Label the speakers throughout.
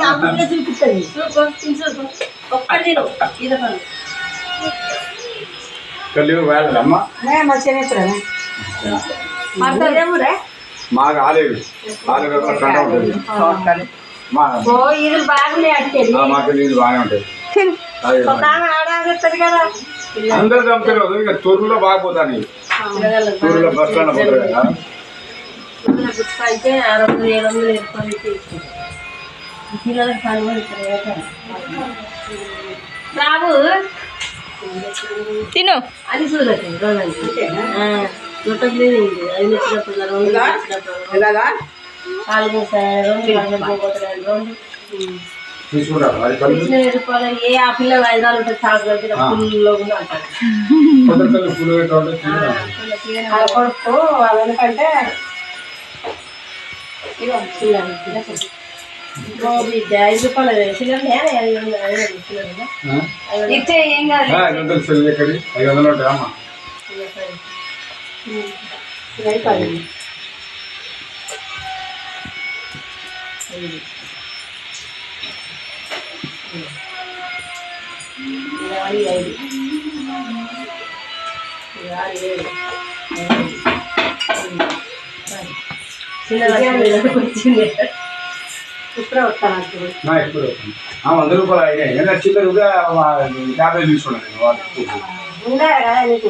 Speaker 1: చూపిస్తుంది
Speaker 2: మాకు ఆలేదు మాకు నీళ్ళు బాగానే ఉంటాయి అందరు చంపుతారు ఇక తొర్రులో బాగా పోతాను తొర్రులో బస్ స్టాండ్ పోతారు కదా
Speaker 1: అయితే 600-700 పిల్లలకు బాబు
Speaker 3: తిను
Speaker 1: అని చూడలేదు చుట్టలేదు అది నచ్చినప్పుడు 2 ఏ ఆ పిల్లలు 5 ఉంటుంది చాకు దగ్గర ఫుల్లో కూడా అంటారు కొడుకు ఎందుకంటే ఇచ్చే ఏం కాదు వచ్చింది ఇప్పుడు వస్తాను
Speaker 2: ఇప్పుడు 100 రూపాయలు అయినాయి చిల్లరుగా 50 తీసుకున్నాను
Speaker 1: ఉండాలి కదా నీకు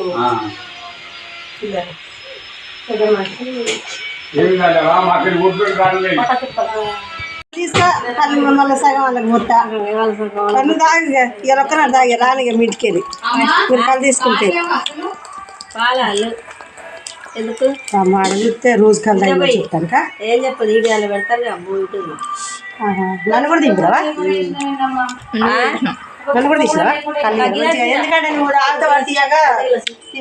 Speaker 2: ఏమి కాలేవా మాకు ఊపిరి కాలేదు
Speaker 1: తీసుకో మళ్ళీ సగం వాళ్ళకి మొత్త కళ్ళు తాగి ఇలా ఒక్కనాడు తాగి రాని మీ ఇంటికి మీరు కళ్ళు తీసుకుంటే ఎందుకు అడిగితే రోజు కళ్ళు తాగి చెప్తాను ఏం చెప్పదు ఈడియాలు పెడతారు అబ్బో ఇటు నన్ను కూడా దింపురావా నన్ను కూడా తీసినావా ఎందుకంటే నువ్వు ఆడతా తీయగా